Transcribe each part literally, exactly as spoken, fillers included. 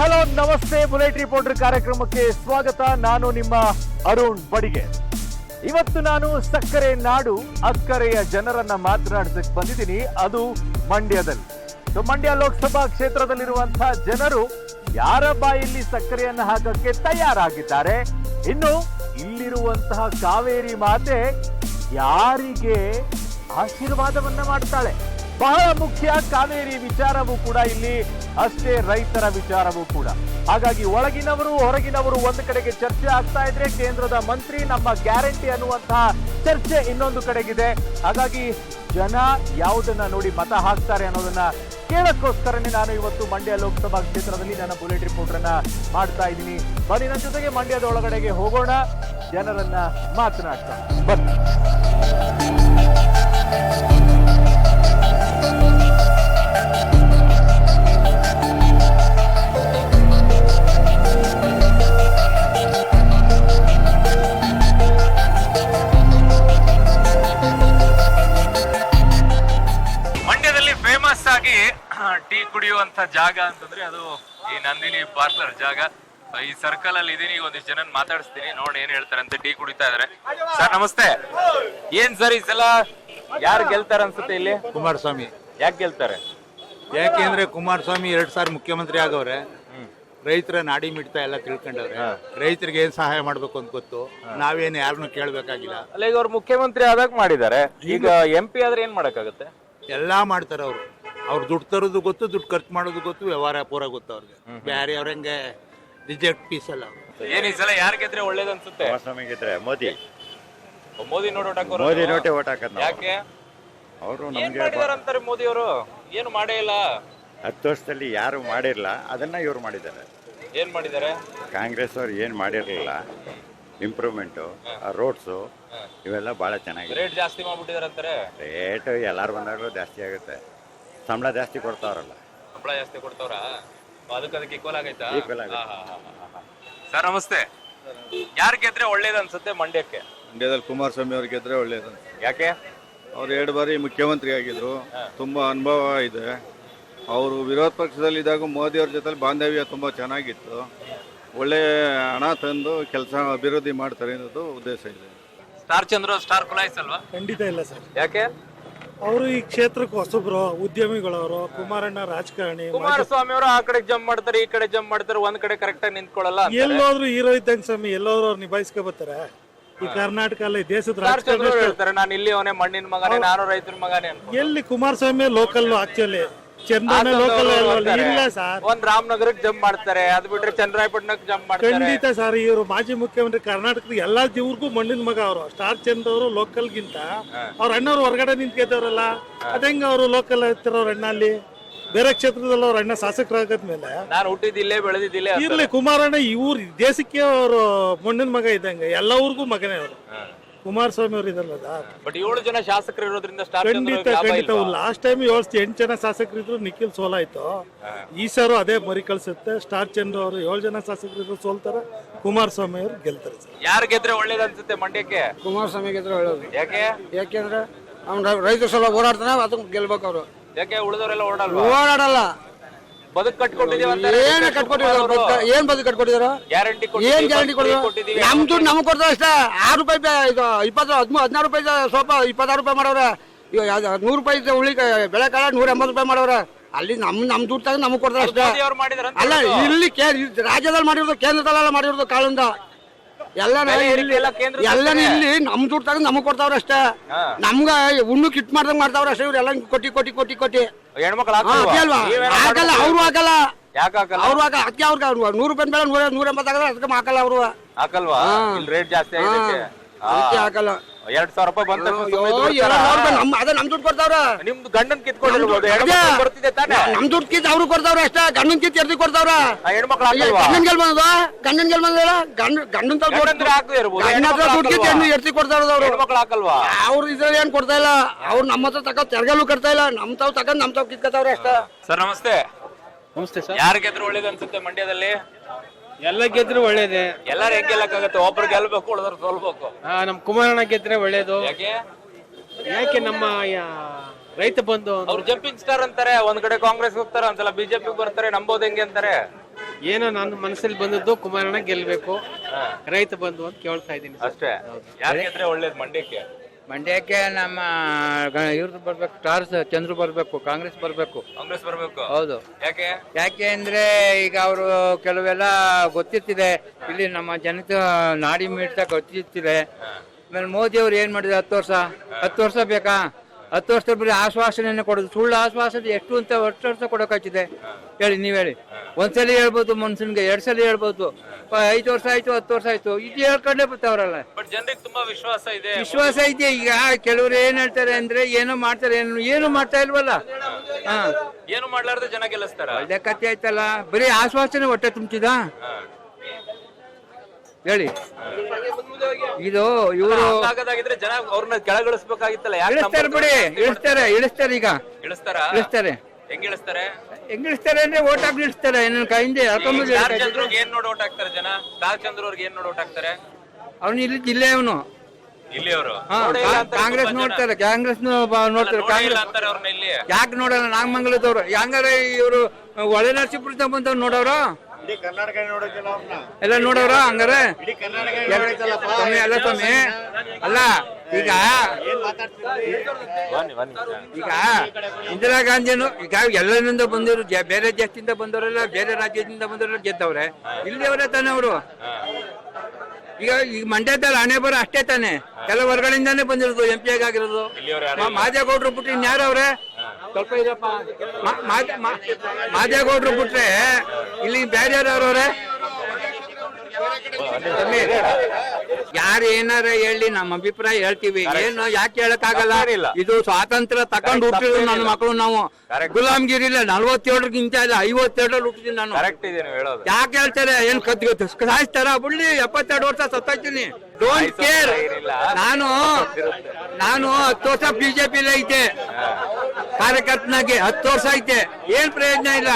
Hello ನಮಸ್ತೆ, bullet reporter ಕಾರ್ಯಕ್ರಮಕ್ಕೆ ಸ್ವಾಗತ. ನಾನು ನಿಮ್ಮ ಅರುಣ್ ಬಡಿಗೆ. ಇವತ್ತು ನಾನು ಸಕ್ಕರೆ ನಾಡು ಅಕ್ಕರೆಯ ಜನರನ್ನ ಮಾತನಾಡಿಸಕ್ಕೆ ಬಂದಿದ್ದೀನಿ, ಅದು ಮಂಡ್ಯದಲ್ಲಿ. ಸೊ ಮಂಡ್ಯ ಲೋಕಸಭಾ ಕ್ಷೇತ್ರದಲ್ಲಿರುವಂತಹ ಜನರು ಯಾರ ಬಾಯಲ್ಲಿ ಸಕ್ಕರೆಯನ್ನು ಹಾಕಕ್ಕೆ ತಯಾರಾಗಿದ್ದಾರೆ, ಇನ್ನು ಇಲ್ಲಿರುವಂತಹ ಕಾವೇರಿ ಮಾತೆ ಯಾರಿಗೆ ಆಶೀರ್ವಾದವನ್ನ ಮಾಡ್ತಾಳೆ. ಬಹಳ ಮುಖ್ಯ ಕಾವೇರಿ ವಿಚಾರವೂ ಕೂಡ ಇಲ್ಲಿ ಅಷ್ಟೇ, ರೈತರ ವಿಚಾರವೂ ಕೂಡ. ಹಾಗಾಗಿ ಒಳಗಿನವರು ಹೊರಗಿನವರು ಒಂದು ಕಡೆಗೆ ಚರ್ಚೆ ಆಗ್ತಾ ಇದ್ರೆ, ಕೇಂದ್ರದ ಮಂತ್ರಿ ನಮ್ಮ ಗ್ಯಾರಂಟಿ ಅನ್ನುವಂತಹ ಚರ್ಚೆ ಇನ್ನೊಂದು ಕಡೆಗಿದೆ. ಹಾಗಾಗಿ ಜನ ಯಾವುದನ್ನ ನೋಡಿ ಮತ ಹಾಕ್ತಾರೆ ಅನ್ನೋದನ್ನ ಕೇಳಕ್ಕೋಸ್ಕರನೇ ನಾನು ಇವತ್ತು ಮಂಡ್ಯ ಲೋಕಸಭಾ ಕ್ಷೇತ್ರದಲ್ಲಿ ನನ್ನ ಬುಲೆಟ್ ರಿಪೋರ್ಟ್ ಅನ್ನ ಮಾಡ್ತಾ ಇದ್ದೀನಿ. ಬನ್ನಿ ನನ್ನ ಜೊತೆಗೆ ಮಂಡ್ಯದ ಒಳಗಡೆಗೆ ಹೋಗೋಣ, ಜನರನ್ನ ಮಾತನಾಡ್ತಾ ಬನ್ನಿ. ಟೀ ಕುಡಿಯುವಂತ ಜಾಗ ಅಂತಂದ್ರೆ ಅದು ಈ ನಂದಿನಿ ಪಾರ್ಲರ್ ಜಾಗ. ಈ ಸರ್ಕಲ್ ಅಲ್ಲಿ ಇದೀನಿ, ಒಂದಿಷ್ಟು ಜನ ಮಾತಾಡಿಸ್ತೀನಿ, ನೋಡಿ ಏನ್ ಹೇಳ್ತಾರೆ ಅಂತ. ಟೀ ಕುಡಿತಾ ಇದಾರೆ. ಸರ್ ನಮಸ್ತೆ. ಏನ್ ಸರ್ ಈ ಸಲ ಯಾರು ಗೆಲ್ತಾರ ಅನ್ಸುತ್ತೆ ಇಲ್ಲಿ? ಕುಮಾರಸ್ವಾಮಿ. ಯಾಕೆ ಗೆಲ್ತಾರೆ? ಯಾಕೆಂದ್ರೆ ಕುಮಾರಸ್ವಾಮಿ ಎರಡ್ ಸಾರಿ ಮುಖ್ಯಮಂತ್ರಿ ಆಗವ್ರೆ, ರೈತರ ನಾಡಿ ಮಿಡ್ತಾ ಎಲ್ಲ ತಿಳ್ಕೊಂಡವ್ರೆ, ರೈತರಿಗೆ ಏನ್ ಸಹಾಯ ಮಾಡ್ಬೇಕು ಅಂತ ಗೊತ್ತು. ನಾವೇನು ಯಾರನ್ನು ಕೇಳ್ಬೇಕಾಗಿಲ್ಲ. ಅಲ್ಲ, ಈಗ ಅವ್ರು ಮುಖ್ಯಮಂತ್ರಿ ಆದಾಗ ಮಾಡಿದ್ದಾರೆ, ಈಗ ಎಂ ಪಿ ಆದ್ರೆ ಏನ್ ಮಾಡಕ್ಕಾಗತ್ತೆ? ಎಲ್ಲಾ ಮಾಡ್ತಾರ ಅವ್ರು. ಅವ್ರು ದುಡ್ಡು ತರೋದು ಗೊತ್ತು, ದುಡ್ಡು ಖರ್ಚು ಮಾಡೋದು ಗೊತ್ತು, ವ್ಯವಹಾರ ಪೂರ ಗೊತ್ತು ಅವ್ರಿಗೆ. ಬೇರೆ ಅವ್ರಂಗೆ ರಿಜೆಕ್ಟ್ ಪೀಸ್ ಅಲ್ಲ. ಏನ್ ಈ ಸಲ ಯಾರು ಗೆದ್ರೆ ಒಳ್ಳೇದ್ ಅನ್ಸುತ್ತೆ? ಕುಮಾರಸ್ವಾಮಿ ಗೆದ್ರೆ ಮೋದಿ. ಮೋದಿ ನೋಟ್ ಓಟ್ ಹಾಕೋರು. ಮೋದಿ ನೋಟೆ ಓಟ್ ಹಾಕದ್. ಯಾಕೆ? ಅವರು ಏನ್ ನಮ್ಗೆ ಮಾಡಿದಾರೆ ಅಂತಾರೆ ಮೋದಿ ಅವರು? ಏನು ಮಾಡೇ ಇಲ್ಲ. ಹತ್ತು ವರ್ಷದಲ್ಲಿ ಯಾರು ಮಾಡಿರ್ಲ ಅದನ್ನ ಇವ್ರು ಮಾಡಿದ್ದಾರೆ. ಏನ್ ಮಾಡಿದ್ದಾರೆ? ಕಾಂಗ್ರೆಸ್ ಅವ್ರು ಏನ್ ಮಾಡಿರ್ಲಿಲ್ಲ, ಇಂಪ್ರೂವ್ಮೆಂಟು, ರೋಡ್ಸು ಇವೆಲ್ಲ ಬಹಳ ಚೆನ್ನಾಗಿದೆ. ರೇಟ್ ಜಾಸ್ತಿ ಮಾಡ್ಬಿಟ್ಟಿದಾರೆ ಅಂತಾರೆ. ರೇಟ್ ಎಲ್ಲಾರು ಬಂದಾಗಲೂ ಜಾಸ್ತಿ ಆಗುತ್ತೆ. ಸಂಬಳ ಜಾಸ್ತಿ ಕೊಡ್ತಾವ್ರಲ್ಲ. ಸಂಬಳ ಜಾಸ್ತಿ ಕೊಡ್ತಾವ್ರ? ಅದಕ್ಕೆ ಅದಕ್ಕೆ ಈಕ್ವಲ್ ಆಗೈತಾ? Equal ಆಗುತ್ತೆ. ಸರ್ ನಮಸ್ತೆ. ಯಾರು ಗೆದ್ರೆ ಒಳ್ಳೇದು ಅನ್ಸುತ್ತೆ ಮಂಡ್ಯಕ್ಕೆ? ಮಂಡ್ಯದಲ್ಲಿ ಕುಮಾರಸ್ವಾಮಿ ಅವ್ರು ಗೆದ್ರೆ ಒಳ್ಳೇದು. ಯಾಕೆ? ಅವ್ರು ಎರಡು ಬಾರಿ ಮುಖ್ಯಮಂತ್ರಿ ಆಗಿದ್ರು, ತುಂಬಾ ಅನುಭವ ಇದೆ. ಅವರು ವಿರೋಧ ಪಕ್ಷದಲ್ಲಿ ಇದ್ದಾಗ ಮೋದಿ ಅವ್ರ ಜೊತೆ ಬಾಂಧವ್ಯ ತುಂಬಾ ಚೆನ್ನಾಗಿತ್ತು. ಒಳ್ಳೆ ಹಣ ತಂದು ಕೆಲಸ ಅಭಿವೃದ್ಧಿ ಮಾಡ್ತಾರೆ ಅನ್ನೋದು ಉದ್ದೇಶ ಇದೆ. ಸ್ಟಾರ್ ಚಂದ್ರ ಸ್ಟಾರ್ ಕುಲಾಯ್ಸ್ ಅಲ್ವಾ? ಖಂಡಿತ ಇಲ್ಲ ಸರ್. ಯಾಕೆ? ಅವರು ಈ ಕ್ಷೇತ್ರಕ್ಕೆ ಹೊಸಬ್ರು, ಉದ್ಯಮಿಗಳವರು. ಕುಮಾರಣ್ಣ ರಾಜಕಾರಣಿ. ಕುಮಾರಸ್ವಾಮಿ ಅವರು ಆ ಕಡೆ ಜಂಪ್ ಮಾಡ್ತಾರೆ, ಈ ಕಡೆ ಜಂಪ್ ಮಾಡ್ತಾರೆ, ಒಂದ್ ಕಡೆ ಕರೆಕ್ಟ್ ಆಗಿ ನಿಂತ್ಕೊಳ್ಳಲ್ಲ. ಎಲ್ಲೋದ್ರು ಹೀರೋ ಇದ್ದಂಗೆ ಸ್ವಾಮಿ, ಎಲ್ಲೋದ್ರು ಅವ್ರು ನಿಭಾಯಿಸ್ಕೊ ಬರ್ತಾರೆ. ಈ ಕರ್ನಾಟಕ ಅಲ್ಲಿ ದೇಶದ ಸ್ಟಾರ್ ಚಂದ್ರ ರಾಜಕಾರಣ ಹೇಳ್ತಾರೆ, ನಾನು ಇಲ್ಲಿ ಅವನೇ ಮಣ್ಣಿನ ಮಗನೇ, ನಾನು ರೈತರ ಮಗನೇ ಅಂತ. ಎಲ್ಲಿ ಕುಮಾರಸ್ವಾಮಿ ಲೋಕಲ್, ಆಕ್ಚುಲಿ ಚಂದ್ರನ ಲೋಕಲ್ ಇಲ್ಲ ಸರ್. ಒಂದ್ ರಾಮನಗರಕ್ಕೆ ಜಂಪ್ ಮಾಡ್ತಾರೆ, ಅದ್ ಬಿಟ್ರೆ ಚಂದ್ರಾಯಪಟ್ಟಣಕ್ಕೆ ಜಂಪ್ ಮಾಡ್ತಾರೆ. ಖಂಡಿತ ಸರ್. ಇವರು ಮಾಜಿ ಮುಖ್ಯಮಂತ್ರಿ ಕರ್ನಾಟಕದ ಎಲ್ಲಾ ಇವ್ರಿಗೂ ಮಣ್ಣಿನ ಮಗ ಅವರು. ಸ್ಟಾರ್ ಚಂದ್ರ ಅವರು ಲೋಕಲ್ ಗಿಂತ ಅವ್ರ ಅಣ್ಣವ್ರು ಹೊರಗಡೆ ನಿಂತ್ಕೊತವ್ರಲ್ಲ, ಅದಂಗ ಅವರು ಲೋಕಲ್ ಇರ್ತಾರ ಅಣ್ಣ. ಅಲ್ಲಿ ಬೇರೆ ಕ್ಷೇತ್ರದಲ್ಲಿ ಅವ್ರ ಅಣ್ಣ ಶಾಸಕರಾಗದ್ಮೇಲೆ ನಾನು ಹುಟ್ಟಿದಿಲ್ಲೇ ಬೆಳೆದಿದ್ದಿಲ್ಲೇ. ಇರ್ಲಿ ಕುಮಾರಣ್ಣ ಇವ್ರು ದೇಶಕ್ಕೆ ಅವರು ಮಣ್ಣಿನ ಮಗ ಇದ್ದಂಗೆ, ಎಲ್ಲ ಊರಿಗೂ ಮಗನೇ ಅವರು. ಕುಮಾರಸ್ವಾಮಿ ಅವರು ಇದಲ್ಲ. ಬಟ್ ಏಳು ಜನ ಶಾಸಕರು ಇರೋದ್ರಿಂದ ಸ್ಟಾರ್ ಖಂಡಿತ ಖಂಡಿತ. ಲಾಸ್ಟ್ ಟೈಮ್ ಏಳು ಎಂಟು ಜನ ಶಾಸಕರು ಇದ್ರು, ನಿಖಿಲ್ ಸೋಲಾಯ್ತು. ಈ ಸಾರು ಅದೇ ಮರಿ ಕಳ್ಸುತ್ತೆ. ಸ್ಟಾರ್ ಚಂದ್ರ ಅವರು ಏಳು ಜನ ಶಾಸಕರು ಇದ್ರು ಸೋಲ್ತಾರೆ, ಕುಮಾರಸ್ವಾಮಿ ಅವರು ಗೆಲ್ತಾರೆ ಸರ್. ಯಾರು ಗೆದ್ರೆ ಒಳ್ಳೇದು ಅನ್ಸುತ್ತೆ ಮಂಡ್ಯಕ್ಕೆ? ಕುಮಾರಸ್ವಾಮಿ ಗೆದ್ರೆ ಒಳ್ಳೇದು. ಯಾಕೆ? ಯಾಕೆಂದ್ರೆ ಅವ್ನ ರೈತರ ಸಲ ಓಡಾಡ್ತಾನೆ, ಅದಕ್ಕೆ ಗೆಲ್ಬೇಕು ಅವರು. ಯಾಕೆ ಉಳಿದವರೆಲ್ಲ ಓಡಲ್ವಾ? ಓಡಾಡಲ್ಲ. ಬದುಕು ಕಟ್ಕೊಟ್ಟಿದೀವಿ ಅಂತ ಏನ್ ಕಟ್ಕೊಟ್ಟಿದಾರ? ಏನ್ ಬದುಕು ಕಟ್ಕೊಟ್ಟಿದಾರ? ಗ್ಯಾರಂಟಿ ಏನ್ ಗ್ಯಾರಂಟಿ ಕೊಟ್ಟಿದ್ರು? ನಮ್ ದುಡ್ಡು ನಮ್ಗೆ ಕೊಡ್ತಾರೆ ಅಷ್ಟೇ. ಆರು ರೂಪಾಯಿ ಇದು ಇಪ್ಪತ್ತು ಹದಿಮೂರು ಹದಿನಾರು ರೂಪಾಯಿ ಸ್ವಲ್ಪ ಇಪ್ಪತ್ತಾರು ರೂಪಾಯಿ ಮಾಡವ್ರೆ. ಇವಾಗ ನೂರು ರೂಪಾಯಿ ಉಳಿ ಬೆಳೆ ಕಾಲ ನೂರ ಎಂಬತ್ತು ರೂಪಾಯಿ ಮಾಡವ್ರೆ. ಅಲ್ಲಿ ನಮ್ ನಮ್ ದುಡ್ಡು ತಗೊಂಡು ನಮ್ಗೆ ಕೊಡ್ತಾರೆ ಅಷ್ಟೇ. ಅಲ್ಲ, ಇಲ್ಲಿ ರಾಜ್ಯದಲ್ಲಿ ಮಾಡಿರೋದು, ಕೇಂದ್ರದಲ್ಲೆಲ್ಲ ಮಾಡಿರೋದು ಕಾಳಿಂದ ಎಲ್ಲ ಎಲ್ಲ ಇಲ್ಲಿ ನಮ್ ದುಡ್ಡು ತಗೊಂಡು ನಮಗ್ ಕೊಡ್ತಾವ್ರ ಅಷ್ಟೇ. ನಮ್ಗ ಉಣ್ಣು ಕಿಟ್ ಮಾಡ್ದಂಗ್ ಮಾಡ್ತಾವ್ರ ಅಷ್ಟೇ. ಇವ್ರು ಎಲ್ಲ ಕೊಟ್ಟಿ ಕೊಟ್ಟಿ ಕೊಟ್ಟಿ ಕೊಟ್ಟಿ ಹೆಣ್ಮಕ್ಳು ಅಲ್ವಾ? ಹಾಕಲ್ಲ, ಅವ್ರು ಹಾಕಲ್ಲ. ಯಾಕೆ ಅವ್ರು ಹಾಕ ಅದಕ್ಕೆ ಅವ್ರಿಗೆ ನೂರು ರೂಪಾಯಿ ಬೇಡ, ನೂರ ನೂರ ಎಂಬತ್ತಾಗಲ್ಲ, ಅದಕ್ಕೆ ಹಾಕಲ್ಲ ಅವರು. ಹಾಕಲ್ವಾ? ರೇಟ್ ಜಾಸ್ತಿ ಆಗಿದೆ, ಅದಕ್ಕೆ ಹಾಕಲ್ಲ. ಎರಡ್ ಸಾವಿರ ರೂಪಾಯಿ ಬಂತ ಅದೇ ನಮ್ ದುಡ್ಡು ಕೊಡ್ತಾವ್ರ. ನಿಮ್ದು ಗಂಡನ್ ಕಿತ್ಕೊಂಡಿರ್ಬೋದು, ಬರ್ತಿದೆ ತಾನೆ. ನಮ್ ದುಡ್ಡು ಕಿತ್ ಅವ್ರು ಕೊಡ್ತಾವ್ರ ಅಷ್ಟೇ. ಗಂಡನ್ ಕಿತ್ ಎರ್ದಿ ಕೊಡ್ತಾವ್ರ. ಹೆಣ್ಮಕ್ಳು ಗಂಡನ್ ಗೆಲ್ ಬಂದ ಗಂಡನ್ ಗೆಲ್ ಬಂದ ಗಂಡ ಗಂಡನ್ ದುಡ್ಡು ಕಿತ್ ಎರ್ತಿ ಕೊಡ್ತಾವ್ರ ಅವ್ರು. ಹೆಣ್ಮಕ್ಳು ಹಾಕಲ್ವಾ? ಅವ್ರು ಇದ್ರಲ್ಲಿ ಏನ್ ಕೊಡ್ತಾ ಇಲ್ಲ. ಅವ್ರು ನಮ್ಮ ಹತ್ರ ತಕ ತೆರ್ಗಲು ಕಟ್ತಾ ಇಲ್ಲ. ನಮ್ ತಾವ್ ತಕೊಂಡ್ ನಮ್ ತಾವ್ ಕಿತ್ಕೊತಾವ್ರ ಅಷ್ಟೇ. ಸರ್ ನಮಸ್ತೆ. ನಮಸ್ತೆ ಸರ್. ಯಾರು ಗೆದ್ರು ಒಳ್ಳೇದು ಅನ್ಸುತ್ತೆ ಮಂಡ್ಯದಲ್ಲಿ? ಎಲ್ಲ ಗೆದ್ರು ಒಳ್ಳೇದೇ. ಎಲ್ಲಾರು ಹೆಂಗ್ ಗೆಲ್ಲಕ್ಕಾಗತ್ತೆ? ಒಬ್ರು ಗೆಲ್ಬೇಕು, ಉಳಿದ್ರು ಸೋಲ್ಬೇಕು. ನಮ್ ಕುಮಾರಣ್ಣ ಗೆದ್ರೆ ಒಳ್ಳೇದು. ಯಾಕೆ? ಯಾಕೆ ನಮ್ಮ ರೈತ ಬಂಧು ಅವ್ರು ಜಂಪಿಂಗ್ ಸ್ಟಾರ್ ಅಂತಾರೆ. ಒಂದ್ ಕಡೆ ಕಾಂಗ್ರೆಸ್ ಹೋಗ್ತಾರೆ, ಒಂದ್ಸಲ ಬಿಜೆಪಿ ಬರ್ತಾರೆ. ನಂಬೋದು ಹೆಂಗೆ ಅಂತಾರೆ? ಏನೋ ನನ್ನ ಮನಸ್ಸಲ್ಲಿ ಬಂದದ್ದು ಕುಮಾರಣ್ಣ ಗೆಲ್ಬೇಕು, ರೈತ ಬಂಧು ಅಂತ ಕೇಳ್ತಾ ಇದ್ದೀನಿ. ಅಷ್ಟೇ. ಯಾರು ಗೆದ್ರೆ ಒಳ್ಳೇದು ಮಂಡ್ಯಕ್ಕೆ? ಮಂಡ್ಯಕ್ಕೆ ನಮ್ಮ ಇವ್ರದ್ದು ಬರ್ಬೇಕು, ಸ್ಟಾರ್ಸ್ ಚಂದ್ರು ಬರ್ಬೇಕು, ಕಾಂಗ್ರೆಸ್ ಬರ್ಬೇಕು. ಕಾಂಗ್ರೆಸ್ ಬರ್ಬೇಕು. ಹೌದು. ಯಾಕೆ? ಯಾಕೆ ಅಂದ್ರೆ ಈಗ ಅವರು ಕೆಲವೆಲ್ಲ ಗೊತ್ತಿರ್ತಿದೆ, ಇಲ್ಲಿ ನಮ್ಮ ಜನತೆ ನಾಡಿ ಮೀಡ್ತಾ ಗೊತ್ತಿರ್ತಿದೆ. ಆಮೇಲೆ ಮೋದಿ ಅವ್ರು ಏನ್ ಮಾಡಿದ್ರು ಹತ್ತು ವರ್ಷ ಹತ್ತು ವರ್ಷ ಬೇಕಾ? ಹತ್ತು ವರ್ಷ ಬರೀ ಆಶ್ವಾಸನೆ ಕೊಡೋದು, ಸುಳ್ಳು ಆಶ್ವಾಸನೆ ಎಷ್ಟು ಅಂತ ಎಷ್ಟು ವರ್ಷ ಕೊಡೋಕಾಗ್ತಿದೆ ಹೇಳಿ, ನೀವ್ ಹೇಳಿ. ಒಂದ್ಸಲಿ ಹೇಳ್ಬೋದು ಮನ್ಸನ್ಗೆ, ಎರಡ್ ಸಲ ಹೇಳ್ಬೋದು, ಐದು ವರ್ಷ ಆಯ್ತು ಹತ್ತು ವರ್ಷ ಆಯ್ತು, ಇದು ಹೇಳ್ಕೊಂಡೇ ಬರ್ತಾವ್ರಲ್ಲ. ಬಟ್ ಜನರಿಗೆ ತುಂಬಾ ವಿಶ್ವಾಸ ಇದೆ. ವಿಶ್ವಾಸ ಇದೆ. ಈಗ ಕೆಲವರು ಏನ್ ಹೇಳ್ತಾರೆ ಅಂದ್ರೆ ಏನೋ ಮಾಡ್ತಾರೆ, ಏನು ಏನು ಮಾಡ್ತಾ ಇಲ್ವಲ್ಲ. ಹಾ, ಏನು ಮಾಡ್ಲಾರ್ದೆ ಜನ ಗೆಲ್ಲಿಸ್ತಾರ? ಒಳ್ಳೆ ಕಥೆ ಆಯ್ತಲ್ಲ, ಬರೀ ಆಶ್ವಾಸನೆ ಹೊಟ್ಟೆ ತುಂಬಿದ ಹೇಳಿ. ಇದು ಇವರು ಹಾಗಾಗಿದ್ರೆ ಜನ ಅವ್ರನ್ನ ಕೆಳಗಿಳಿಸ್ಬೇಕಾಗಿತ್ತಲ್ಲ. ಇಳಿಸ್ತಾರೆ ಬಿಡಿ, ಇಳಿಸ್ತಾರೆ ಇಳಿಸ್ತಾರೆ ಈಗ ಇಳಿಸ್ತಾರ? ಇಳಿಸ್ತಾರೆ. ಹೆಂಗ್ ಇಳಿಸ್ತಾರೆ? ಹೆಂಗ್ ಇಳಿಸ್ತಾರೆ ಅಂದ್ರೆ ಓಟ್ ಹಾಕಿ ಇಳಿಸ್ತಾರೆ. ನನ್ನ ಕೈಯಿಂದ ಹೇಳ್ಕೊಂಬಂದು ಸ್ಟಾರ್ ಚಂದ್ರಗ್ ಏನ್ ನೋಡಿ ಓಟ್ ಹಾಕ್ತಾರೆ ಜನ? ಸ್ಟಾರ್ ಚಂದ್ರ ಅವ್ರಿಗೆ ಏನ್ ನೋಡಿ ಓಟ್ ಹಾಕ್ತಾರೆ? ಅವನು ಇಲ್ಲಿ ಜಿಲ್ಲೆ ಅವನು. ಇಲ್ಲಿ ಅವರು ಕಾಂಗ್ರೆಸ್ ನೋಡ್ತಾರೆ, ಕಾಂಗ್ರೆಸ್ ನೋಡ್ತಾರೆ. ಕಾಂಗ್ರೆಸ್ ಅಂತಾರೆ ಅವ್ರನ್ನ ಇಲ್ಲಿ. ಯಾಕೆ ನೋಡಲ್ಲ? ನಾಗಮಂಗಲದವ್ರು ಹಂಗಾರೆ ಇವರು ಒಳ್ಳೆ ನರಸೀಪುರ ಬಂದವ್ರು ನೋಡವ್ರು ಎಲ್ಲ ನೋಡವ್ರ ಹಂಗಾರೆ ಸ್ವಾಮಿ. ಅಲ್ಲ ಸ್ವಾಮಿ, ಅಲ್ಲ ಈಗ ಈಗ ಇಂದಿರಾ ಗಾಂಧಿನು ಈಗ ಎಲ್ಲರಿಂದ ಬಂದಿರು, ಬೇರೆ ದೇಶದಿಂದ ಬಂದವರೆಲ್ಲ, ಬೇರೆ ರಾಜ್ಯದಿಂದ ಬಂದವರೆಲ್ಲ ಗೆದ್ದವ್ರೆ. ಇಲ್ಲಿಯವರೇ ತಾನೆ ಅವರು. ಈಗ ಈಗ ಮಂಡ್ಯದಲ್ಲಿ ಹಣೆ ಬರೋ ಅಷ್ಟೇ ತಾನೆ, ಕೆಲ ಹೊರಗಡೆಯಿಂದಾನೇ ಬಂದಿರೋದು, ಎಂ ಪಿ ಆಗಿರೋದು. ಮಾದೇಗೌಡ್ರು ಬಿಟ್ರೆ ಇನ್ಯಾರವ್ರೆ? ಸ್ವಲ್ಪ ಇದಪ್ಪ, ಮಾದೇಗೌಡ್ರು ಬಿಟ್ರೆ ಇಲ್ಲಿ ಬೇರೆ ಯಾರವ್ರವ್ರೆ? ಯಾರು ಏನಾರ ಹೇಳಿ ನಮ್ಮ ಅಭಿಪ್ರಾಯ ಹೇಳ್ತೀವಿ. ಏನು ಯಾಕೆ ಹೇಳಕ್ ಆಗಲ್ಲ? ಇದು ಸ್ವಾತಂತ್ರ್ಯ ತಕೊಂಡ್ ಹುಟ್ಟಿದ್ರು ನನ್ನ ಮಕ್ಕಳು ನಾವು. ಗುಲಾಮ್ಗಿರಿ ಇಲ್ಲ, ನಲ್ವತ್ತೇಳರಿಗಿಂತ ಇಲ್ಲ, ಐವತ್ತೆರಡರಲ್ಲಿ ಹುಟ್ಟಿದೀನಿ ನಾನು. ಯಾಕೆ ಹೇಳ್ತಾರೆ? ಏನ್ ಕದ್ ಸಾಯಿಸ್ತಾರ? ಬಿಡ್ಲಿ, ಎಪ್ಪತ್ತೆರಡು ವರ್ಷ ಸತ್ತಾಯ್ತೀನಿ, ಡೋಂಟ್ ಕೇರ್. ನಾನು ನಾನು ಹತ್ತು ವರ್ಷ ಬಿಜೆಪಿಲೇ ಐತೆ, ಕಾರ್ಯಕರ್ತನಾಗೆ ಹತ್ತು ವರ್ಷ ಐತೆ, ಏನ್ ಪ್ರಯೋಜನ ಇಲ್ಲ.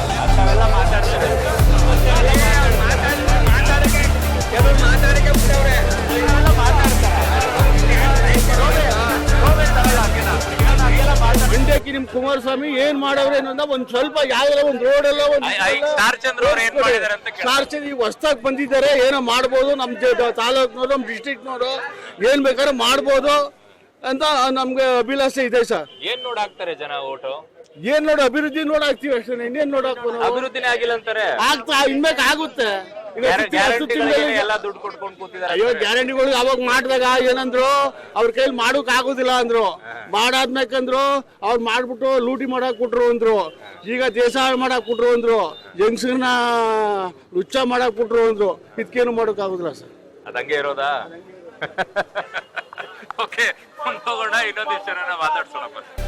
ಮಂಡ್ಯಕ್ಕೆ ನಿಮ್ ಕುಮಾರಸ್ವಾಮಿ ಏನ್ ಮಾಡವ್ರೆ ಅನ್ನೋದ ಒಂದ್ ಸ್ವಲ್ಪ ಯಾವ್ದಾರ ಒಂದ್ ರೋಡ್ ಎಲ್ಲ ಒಂದ್ ಸ್ಟಾರ್ ಚಂದ್ರ ಅವ್ರು ಏನ್ ಮಾಡಿದಾರೆ ಅಂತ ಸ್ಟಾರ್ ಚಂದ್ರ ಈಗ ಹೊಸದಾಗಿ ಬಂದಿದ್ದಾರೆ, ಏನೋ ಮಾಡ್ಬೋದು, ನಮ್ ತಾಲೂಕ್ನವರು ನಮ್ ಡಿಸ್ಟ್ರಿಕ್ಟ್ನವರು ಏನ್ ಬೇಕಾದ್ರೆ ಮಾಡ್ಬೋದು ಅಂತ ನಮ್ಗೆ ಅಭಿಲಾಷೆ ಇದೆ ಸರ್. ಏನ್ ನೋಡ್ ಹಾಕ್ತಾರೆ ಜನ ಓಟು? ಏನ್ ನೋಡು ಅಭಿವೃದ್ಧಿ ನೋಡ್ ಹಾಕ್ತಿವಿ ಅಷ್ಟೇ, ಇನ್ನೇನ್ ನೋಡಕ್ ಅಭಿವೃದ್ಧಿನೇ ಆಗಿಲ್ಲ ಅಂತಾರೆ. ಆಗ್ತಾ ಇನ್ಮೇಕ್ ಆಗುತ್ತೆ. ಎಲ್ಲ ದುಡ್ಡು ಕೊಟ್ಕೊಂಡು ಕೂತಿದ್ದಾರೆ. ಅಯ್ಯೋ, ಗ್ಯಾರಂಟಿಗಳು ಅವಾಗ ಮಾಡಿದಾಗ ಏನಂದ್ರು, ಅವ್ರ ಕೈಲಿ ಮಾಡೋಕ್ ಆಗುದಿಲ್ಲ ಅಂದ್ರು. ಮಾಡಾದ್ಮೇಕಂದ್ರು ಅವ್ರು ಮಾಡ್ಬಿಟ್ಟು ಲೂಟಿ ಮಾಡಕ್ ಕೊಟ್ರು ಅಂದ್ರು. ಈಗ ದೇಶ ಹಾಳು ಮಾಡಕ್ ಕೊಟ್ರು ಅಂದ್ರು, ಜಂಗ್ಸರ್ನ ಲುಚ್ಚ ಮಾಡಕ್ ಕೊಟ್ರು ಅಂದ್ರು. ಇದಕ್ಕೇನು ಮಾಡೋಕ್ ಆಗುದಿಲ್ಲ ಸರ್. ಅದಂಗೆ ಇರೋದಾ? ಓಕೆ, ಹೋಗೋಣ, ಇನ್ನೊಂದಿಷ್ಟು ಜನ ಮಾತಾಡ್ಸೋಣ.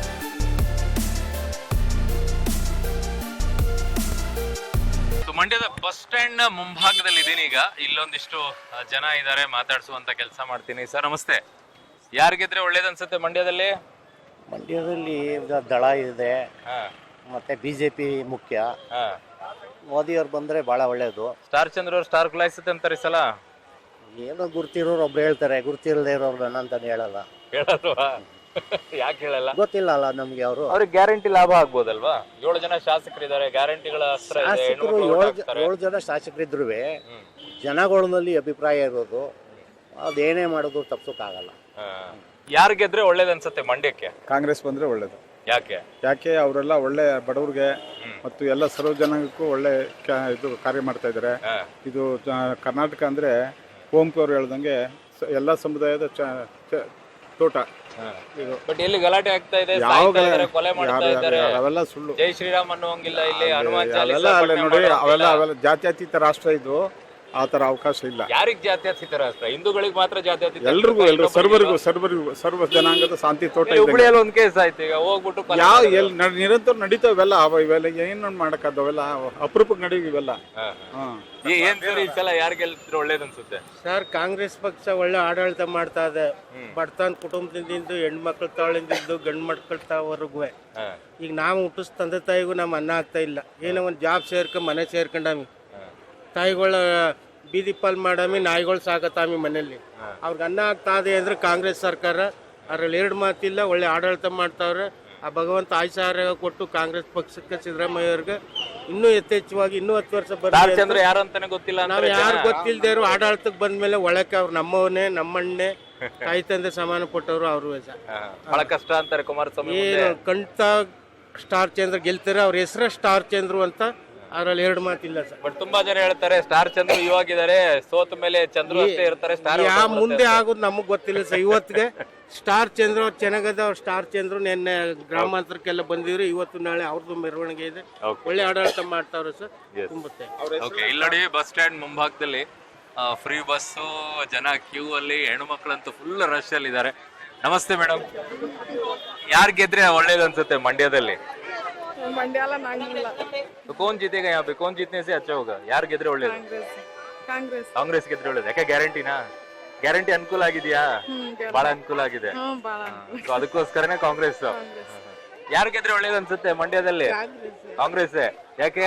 ಮಂಡ್ಯದ ಬಸ್ ಸ್ಟ್ಯಾಂಡ್ ನ ಮುಂಭಾಗದಲ್ಲಿ ಇದೀನಿ ಈಗ. ಇಲ್ಲೊಂದಿಷ್ಟು ಜನ ಇದ್ದಾರೆ, ಮಾತಾಡ್ಸುವಂತ ಕೆಲಸ ಮಾಡ್ತೀನಿ. ಸರ್ ನಮಸ್ತೆ. ಯಾರು ಗೆದ್ರೆ ಒಳ್ಳೇದ್ ಅನ್ಸುತ್ತೆ ಮಂಡ್ಯದಲ್ಲಿ? ಮಂಡ್ಯದಲ್ಲಿ ದಳ ಇದೆ, ಮತ್ತೆ ಬಿಜೆಪಿ ಮುಖ್ಯ. ಮೋದಿ ಅವ್ರು ಬಂದ್ರೆ ಬಹಳ ಒಳ್ಳೇದು. ಸ್ಟಾರ್ ಚಂದ್ರ ಅವ್ರು ಸ್ಟಾರ್ ಕುಲಾಯಿಸುತ್ತೆ ಅಂತಾರೆ ಈ ಸಲ. ಏನೋ ಗುರ್ತಿರೋರು ಒಬ್ರು ಹೇಳ್ತಾರೆ, ಗುರ್ತಿರದೇ ಇರೋರು ಅಂತಾನೆ ಹೇಳಲ್ಲ. ಹೇಳಲ್ವಾ? ಯಾಕೆ ಹೇಳಲ್ಲ? ಗೊತ್ತಿಲ್ಲ ಅಲ್ಲ ನಮ್ಗೆ. ಅವರು ಅವ್ರಿಗೆ ಗ್ಯಾರಂಟಿ ಲಾಭ ಆಗ್ಬೋದಲ್ವಾ? ಏಳು ಜನ ಶಾಸಕರಿದ್ದಾರೆ, ಗ್ಯಾರಂಟಿಗಳ ಅಸ್ತ್ರ ಇದೆ. ಶಾಸಕರು ಏಳು ಏಳು ಜನ ಶಾಸಕರಿದ್ರು ಜನಗಳಲ್ಲಿ ಅಭಿಪ್ರಾಯ ಇರೋದು, ಅದೇನೇ ಮಾಡೋದು ತಪ್ಸೋಕ್ಕಾಗಲ್ಲ. ಯಾರು ಗೆದ್ರೆ ಒಳ್ಳೇದ್ ಅನ್ಸುತ್ತೆ ಮಂಡ್ಯಕ್ಕೆ? ಕಾಂಗ್ರೆಸ್ ಬಂದ್ರೆ ಒಳ್ಳೇದು. ಯಾಕೆ? ಯಾಕೆ ಅವರೆಲ್ಲ ಒಳ್ಳೆ ಬಡವ್ರಿಗೆ ಮತ್ತು ಎಲ್ಲ ಸರ್ವ ಜನಾಂಗಕ್ಕೂ ಒಳ್ಳೆ ಇದು ಕಾರ್ಯ ಮಾಡ್ತಾ ಇದ್ದಾರೆ. ಇದು ಕರ್ನಾಟಕ ಅಂದ್ರೆ ಕುವೆಂಪು ಅವ್ರು ಹೇಳ್ದಂಗೆ ಎಲ್ಲ ಸಮುದಾಯದ ತೋಟ. ಬಟ್ ಎಲ್ಲಿ ಗಲಾಟೆ ಆಗ್ತಾ ಇದೆ, ಕೊಲೆ ಮಾಡ್ತಾ ಇದ್ದಾರೆ, ಅವೆಲ್ಲ ಸುಳ್ಳು. ಜೈ ಶ್ರೀರಾಮ್ ಅನ್ನುವಂಗಿಲ್ಲ ಇಲ್ಲಿ. ಹನುಮಾನ್ ಅವೆಲ್ಲ ನೋಡಿ, ಅವೆಲ್ಲ ಅವೆಲ್ಲ ಜಾತ್ಯತೀತ ರಾಷ್ಟ್ರ ಇದು, ಆ ತರ ಅವಕಾಶ ಇಲ್ಲ. ಯಾರಿಗ್ ಜಾತ್ಯತೀತ ರಾಷ್ಟ್ರ? ಹಿಂದೂಗಳಿಗೆ ಮಾತ್ರ ಜಾತ್ಯತೀತ. ಎಲ್ರಿಗೂ ಎಲ್ರು ಸರ್ವರಿಗೂ ಸರ್ವರಿಗೂ ಸರ್ವ ಜನಾಂಗದ ಶಾಂತಿ ತೋಟ. ಹುಬ್ಳಿಯಲ್ಲಿ ಒಂದ್ ಕೇಸ್ ಆಯ್ತು ಈಗ, ಹೋಗ್ಬಿಟ್ಟು ಯಾವ ಎಲ್ಲಿ ನಿರಂತರ ನಡೀತಾವೆಲ್ಲ ಇವೆಲ್ಲ ಏನ್ ಮಾಡಕ್ಕಾದವೆಲ್ಲ ಅಪರೂಪಕ್ಕೆ ನಡೆಯುವ ಇವೆಲ್ಲ. ಏನ್ ಸರ್ ಈ ಸಲ ಯಾರು ಗೆಲ್ತಿದ್ರೆ ಒಳ್ಳೇದ್ ಅನ್ಸುತ್ತೆ? ಸರ್, ಕಾಂಗ್ರೆಸ್ ಪಕ್ಷ ಒಳ್ಳೆ ಆಡಳಿತ ಮಾಡ್ತಾ ಇದೆ. ಬಡತನ ಕುಟುಂಬದಿಂದ ಹೆಣ್ಮಕ್ಳ ತಾಳಿಂದ ಗಂಡು ಮಕ್ಳ ತಾವರೆಗೂ. ಈಗ ನಾವು ಹುಟ್ಟಿಸ್ ತಂದೆ ತಾಯಿಗೂ ನಮ್ಮ ಅನ್ನ ಆಗ್ತಾ ಇಲ್ಲ. ಏನೋ ಒಂದ್ ಜಾಬ್ ಸೇರ್ಕೊಂಡ್ ಮನೆ ಸೇರ್ಕೊಂಡಾಮಿ, ತಾಯಿಗಳ ಬೀದಿ ಪಾಲ್ ಮಾಡಾಮಿ, ನಾಯಿಗಳು ಸಾಕತಾಮಿ ಮನೆಯಲ್ಲಿ. ಅವ್ರಿಗೆ ಅನ್ನ ಆಗ್ತಾ ಇದೆ ಅಂದ್ರೆ ಕಾಂಗ್ರೆಸ್ ಸರ್ಕಾರ. ಅದ್ರಲ್ಲಿ ಎರಡು ಮಾತಿಲ್ಲ, ಒಳ್ಳೆ ಆಡಳಿತ ಮಾಡ್ತಾವ್ರೆ. ಆ ಭಗವಂತ ಆಯುಷ ಆರೋಗ್ಯ ಕೊಟ್ಟು ಕಾಂಗ್ರೆಸ್ ಪಕ್ಷಕ್ಕೆ ಸಿದ್ದರಾಮಯ್ಯ ಅವ್ರಿಗೆ ಇನ್ನೂ ಯಥೇಚ್ಛವಾಗಿ ಇನ್ನೂ ಹತ್ತು ವರ್ಷ ಸ್ಟಾರ್ ಚಂದ್ರ ಬರ್ತಾರೆ. ಯಾರು ಅಂತಾನೆ ಗೊತ್ತಿಲ್ಲ ನಾವು ಅಂತಾರೆ ಯಾರು ಜನ. ಗೊತ್ತಿಲ್ದೇ ಇರೋ ಆಡಳಿತಕ್ಕೆ ಬಂದ್ಮೇಲೆ ಒಳಕ್ಕೆ ಅವ್ರು ನಮ್ಮವನೇ ನಮ್ಮಣ್ಣೆ ತಾಯಿ ತಂದೆ ಸಮಾನ ಪಟ್ಟವರು ಅವರು ಹಾ, ಬಹಳ ಕಷ್ಟ ಅಂತಾರೆ ಕುಮಾರಸ್ವಾಮಿ ಏನು ಮುಂದೆ. ಕಂಠ ಸ್ಟಾರ್ ಚಂದ್ರ ಗೆಲ್ತಾರೆ. ಅವ್ರ ಹೆಸರು ಸ್ಟಾರ್ ಚಂದ್ರು ಅಂತ ಅದ್ರಲ್ಲಿ ಎರಡು ಮಾತಿಲ್ಲ ಸರ್. ಬಟ್ ತುಂಬಾ ಜನ ಹೇಳ್ತಾರೆ ಸ್ಟಾರ್ ಚಂದ್ರು ಇವಾಗಿದ್ದಾರೆ, ಸೋತ ಮೇಲೆ ಚಂದ್ರು ಅಷ್ಟೇ ಇರ್ತಾರೆ, ಸ್ಟಾರ್ ಯಾವ ಮುಂದೆ ಆಗೋದು ನಮಗ್ ಗೊತ್ತಿಲ್ಲ ಸರ್. ಇವತ್ತಿಗೆ ಸ್ಟಾರ್ ಚಂದ್ರ ಅವ್ರು ಚೆನ್ನಾಗದ. ಅವ್ರು ಸ್ಟಾರ್ ಚಂದ್ರು ನಿನ್ನೆ ಗ್ರಾಮಾಂತರಕ್ಕೆಲ್ಲ ಬಂದಿದ್ರು. ಇವತ್ತು ನಾಳೆ ಅವ್ರದ್ದು ಮೆರವಣಿಗೆ ಇದೆ. ಒಳ್ಳೆ ಆಡಳಿತ ಮಾಡ್ತಾವ್ರೆ ಸರ್. ತುಂಬುತ್ತೆ. ಓಕೆ, ಇಲ್ಲಿ ನೋಡಿ ಬಸ್ ಸ್ಟ್ಯಾಂಡ್ ಮುಂಭಾಗದಲ್ಲಿ ಫ್ರೀ ಬಸ್ಸು, ಜನ ಕ್ಯೂ ಅಲ್ಲಿ, ಹೆಣ್ಣು ಮಕ್ಕಳಂತೂ ಫುಲ್ ರಶ್ ಅಲ್ಲಿ ಇದ್ದಾರೆ. ನಮಸ್ತೆ ಮೇಡಮ್, ಯಾರ್ ಗೆದ್ರೆ ಒಳ್ಳೇದು ಅನ್ಸುತ್ತೆ ಮಂಡ್ಯದಲ್ಲಿ? ಮಂಡ್ಯಾಲ ನಾಗಿಲ್ಲ. कौन जीतेगा यहाँ पे? कौन जीतने से अच्छा होगा? ಯಾರು ಗೆದ್ರೆ ಒಳ್ಳೇದು? ಕಾಂಗ್ರೆಸ್. ಕಾಂಗ್ರೆಸ್ ಗೆದ್ರೆ ಒಳ್ಳೇದು. ಯಾಕೆ ಗ್ಯಾರಂಟಿನಾ? ಗ್ಯಾರಂಟಿ ಅನುಕೂಲ ಆಗಿದೆಯಾ? ಬಹಳ ಅನುಕೂಲ ಆಗಿದೆ. So ಅದಕ್ಕೋಸ್ಕರನೇ ಕಾಂಗ್ರೆಸ್. ಯಾರು ಗೆದ್ರೆ ಒಳ್ಳೇದು ಅನ್ಸುತ್ತೆ ಮಂಡ್ಯದಲ್ಲಿ? ಕಾಂಗ್ರೆಸ್. ಯಾಕೆ?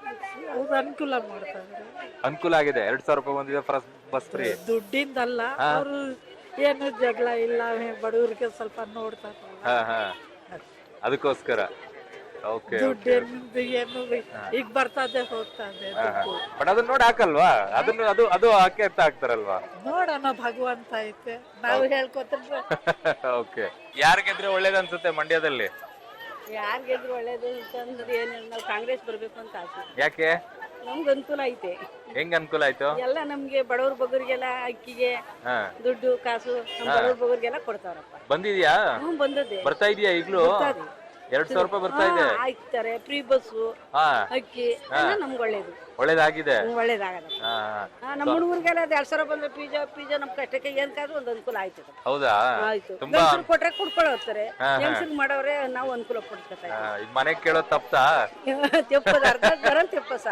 ಅನುಕೂಲ ಮಾಡ್ತಾರೆ. ಅನುಕೂಲ ಆಗಿದೆ. ಎರಡ್ ಸಾವಿರ ರೂಪಾಯಿ ಬಂದಿದೆ ಬಸ್ ಫ್ರೀ. ದುಡ್ಡಿಂದಲ್ಲ, ಅವರು ಏನು ಜಗಳ ಇಲ್ಲ, ಬಡವರಿಗೆ ಸ್ವಲ್ಪ ನೋಡ್ತಾರೆ. ಹಾ ಹಾ ಅದಕ್ಕೋಸ್ಕರ. ಓಕೆ, ದುಡ್ಡು ಏನು ಈಗ ಬರ್ತದೆ ಹೋಗ್ತದೆ. ಬಟ್ ಅದನ್ನ ನೋಡಿ ಹಾಕಲ್ವಾ? ಅದನ್ನ ಅದು ಅದು ಹಾಕಿ ಅಂತ ಹಾಕ್ತಾರಲ್ವಾ? ನೋಡೋಣ, ಭಗವಂತ ಐತೆ, ನಾವು ಹೇಳ್ಕೊತಾರೆ. ಓಕೆ, ಯಾರು ಗೆದ್ರೆ ಒಳ್ಳೇದು ಅನ್ಸುತ್ತೆ ಮಂಡ್ಯದಲ್ಲಿ? ಯಾರು ಗೆದ್ರು ಒಳ್ಳೇದು ಅಂತಂದ್ರೆ ಏನಿಲ್ಲ, ನಾವು ಕಾಂಗ್ರೆಸ್ ಬರ್ಬೇಕು ಅಂತ ಆಸೆ. ಯಾಕೆ? ನಮ್ಗೆ ಅನುಕೂಲ ಐತೆ. ಹೆಂಗ್ ಅನುಕೂಲ ಆಯ್ತು? ಎಲ್ಲ ನಮ್ಗೆ ಬಡವ್ರ ಬಗ್ಗರಿಗೆಲ್ಲ ಅಕ್ಕಿಗೆ ದುಡ್ಡು ಕಾಸು ನಮ್ಮ ಬಡವ್ರ ಬಗ್ಗರಿಗೆಲ್ಲ ಕೊಡ್ತಾರಪ್ಪ. ಬಂದಿದ್ಯಾ? ಹ್ಮ್, ಬಂದದ್ದೆ. ಬರ್ತಾ ಇದೀಯಾ ಈಗ್ಲೂ? ಎರಡ್ ಸಾವಿರ ರೂಪಾಯಿ ಬರ್ತಾ ಇದೆ. ಹಾಕ್ತಾರೆ ಫ್ರೀ ಬಸ್ಸು, ಅಕ್ಕಿ ಎಲ್ಲ ನಮ್ಗೆ ಒಳ್ಳೇದು. ಒಳ್ಳೇದಾಗಿದೆ. ಒಳ್ಳೇದಾಗದ. ನಮ್ಮ ಹುಡುಗರಿಗೆಲ್ಲ ಎರಡ್ ಸಾವಿರ ಬಂದ್ರೆ ಪಿಜ್ಜಾ ಪಿಜ್ಜಾ ನಮ್ ಕಷ್ಟಕ್ಕೆ ಏನ್ ಕಾದ್ರು ಒಂದು ಅನುಕೂಲ ಆಯ್ತು. ಹೌದಾ? ಆಯ್ತು. ತುಂಬಾ ಕೊಟ್ರೆ ಕುಡ್ಕೊಳ್ಳೋತಾರೆ, ಹೆಂಗಸ್ರಿಗೆ ಮಾಡೋರೆ ನಾವು ಅನುಕೂಲ ಪಡ್ಕೊತಾ ಈಗ ಮನೆಗ್ ಕೇಳೋ ತಪ್ತಾ? ತೆಪ್ಪದ ಅರ್ಧ ಬರ ತೆಪ್ಪಸ.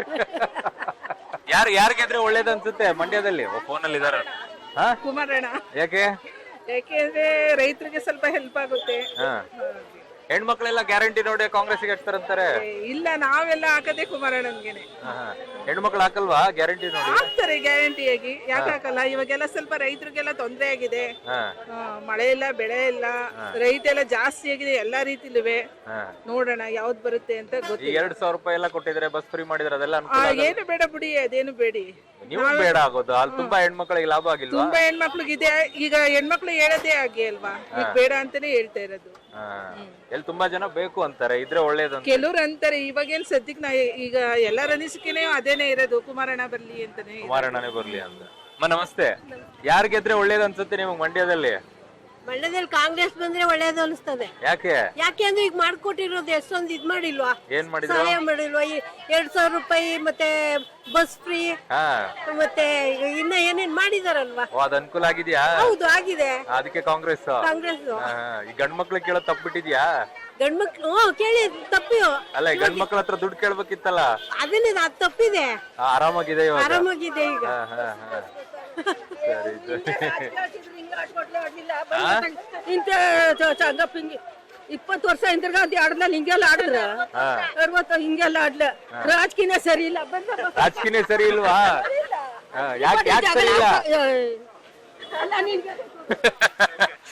ಯಾರು ಯಾರು ಗೆದ್ರೆ ಒಳ್ಳೇದು ಅನ್ಸುತ್ತೆ ಮಂಡ್ಯದಲ್ಲಿ? ಫೋನ್ ಅಲ್ಲಿ ಇದಾರ. ಕುಮಾರಣ್ಣ. ಯಾಕೆ? ಯಾಕೆಂದ್ರೆ ರೈತರಿಗೆ ಸ್ವಲ್ಪ ಹೆಲ್ಪ್ ಆಗುತ್ತೆ. ಹೆಣ್ಮಕ್ಳೆಲ್ಲ ಗ್ಯಾರಂಟಿ ನೋಡಿ ಕಾಂಗ್ರೆಸ್ಗೆ ಹಚ್ತಾರಂತಾರೆ. ಇಲ್ಲ, ನಾವೆಲ್ಲ ಹಾಕದೆ ಕುಮಾರಣ್ಣನ್ಗೆನೆ. ಹೆಣ್ಮಕ್ಳು ಹಾಕಲ್ವಾ ಗ್ಯಾರಂಟಿ ನೋಡಿ? ಹಾಕ್ತಾರೆ ಗ್ಯಾರಂಟಿಯಾಗಿ. ಯಾಕೆ ಹಾಕಲ್ಲ? ಇವಾಗೆಲ್ಲ ಸ್ವಲ್ಪ ರೈತರಿಗೆಲ್ಲ ತೊಂದರೆ ಆಗಿದೆ. ಮಳೆ ಇಲ್ಲ, ಬೆಳೆ ಇಲ್ಲ, ರೈತ ಎಲ್ಲ ಜಾಸ್ತಿ ಆಗಿದೆ ಎಲ್ಲಾ ರೀತಿಲುವೆ. ನೋಡೋಣ ಯಾವ್ದು ಬರುತ್ತೆ ಅಂತ ಗೊತ್ತಿಲ್ಲ. ಎರಡ್ ಸಾವಿರ ರೂಪಾಯಿ ಎಲ್ಲ ಕೊಟ್ಟಿದ್ರೆ, ಬಸ್ ಫ್ರೀ ಮಾಡಿದ್ರೆ, ಅದೆಲ್ಲ ಏನು ಬೇಡ ಬಿಡಿ, ಅದೇನು ಬೇಡಿ. ನೀವು ಬೇಡ ಆಗೋದು. ಅಲ್ಲಿ ತುಂಬಾ ಹೆಣ್ಮಕ್ಳಿಗೆ ಲಾಭ ಆಗಿಲ್ವಾ? ತುಂಬಾ ಹೆಣ್ಮಕ್ಳಿಗೆ ಇದೆ. ಈಗ ಹೆಣ್ಮಕ್ಳು ಹೇಳೋದೇ ಆಗಿ ಅಲ್ವಾ, ಈಗ ಬೇಡ ಅಂತಾನೆ ಹೇಳ್ತಾ ಇರೋದು. ಎಲ್ಲಿ ತುಂಬಾ ಜನ ಬೇಕು ಅಂತಾರೆ, ಇದ್ರೆ ಒಳ್ಳೇದು. ಕೆಲವ್ರು ಅಂತಾರೆ. ಇವಾಗೇನ್ ಸದ್ಯಕ್ ನಾ ಈಗ ಎಲ್ಲರ ಅನಿಸಿಕೆನೇ ಅದೇನೆ ಇರೋದು, ಕುಮಾರಣ್ಣ ಬರ್ಲಿ ಅಂತಾನೆ. ಕುಮಾರಣ್ಣನೇ ಬರ್ಲಿ ಅಂತ. ಅಮ್ಮ ನಮಸ್ತೆ, ಯಾರು ಗೆದ್ರೆ ಒಳ್ಳೇದು ಅನ್ಸುತ್ತೆ ನಿಮಗೆ ಮಂಡ್ಯದಲ್ಲಿ? ಮಂಡ್ಯದಲ್ಲಿ ಕಾಂಗ್ರೆಸ್ ಬಂದ್ರೆ ಒಳ್ಳೇದು ಅನಿಸ್ತದೆ. ಯಾಕೆ? ಯಾಕೆ ಅಂದ್ರೆ ಈಗ ಮಾಡ್ಕೊಟ್ಟಿರೋದು ಎಷ್ಟೊಂದು ಇದ್ ಮಾಡಿಲ್ವಾ, ಏನ್ ಮಾಡಿದ್ರು? ಸಹಾಯ ಮಾಡಿಲ್ವಾ? ಈ ಎರಡ್ ಸಾವಿರ ರೂಪಾಯಿ ಮತ್ತೆ ಬಸ್ ಫ್ರೀ ಮತ್ತೆ ಇನ್ನ ಏನೇನ್ ಮಾಡಿದಾರಲ್ವಾ, ಅದ್ ಅನುಕೂಲ ಆಗಿದ್ಯಾ? ಹೌದು, ಆಗಿದೆ. ಅದಕ್ಕೆ ಕಾಂಗ್ರೆಸ್. ಕಾಂಗ್ರೆಸ್ ಈ ಗಂಡ್ ಮಕ್ಳು ಕೇಳೋ ತಪ್ಪಿಟ್ಟಿದ್ಯಾ? ಗಂಡ್ ಮಕ್ಳು ಕೇಳಿ ತಪ್ಪಿಯೋ? ಅಲ್ಲ, ಗಂಡ್ ಮಕ್ಳ ಹತ್ರ ದುಡ್ಡು ಕೇಳ್ಬೇಕಿತ್ತಲ್ಲ. ಅದನ್ನೇ ಅದು ತಪ್ಪಿದೆ. ಆರಾಮಾಗಿದೆ ಇವಾಗ? ಆರಾಮಾಗಿದೆ ಈಗ. ಇಂತ ಚಂಗಪ್ಪ ಹಿಂಗೆ ಇಪ್ಪತ್ತು ವರ್ಷ ಹಿಂದಿರ್ಗ ಅಂತ ಆಡದ್ನಲ್ಲಿ ಹಿಂಗೆಲ್ಲ ಆಡಿದ್ರ ಅರವತ್ತು ಹಿಂಗೆಲ್ಲ ಆಡ್ಲ. ರಾಜಕೀಯ ಸರಿ ಇಲ್ಲ. ರಾಜಕೀಯ ಸರಿ ಇಲ್ವಾ? ಯಾಕೆ ಯಾಕೆ ಸರಿ ಇಲ್ಲ? ಅಲ್ಲ, ನಿನ್ಗೆ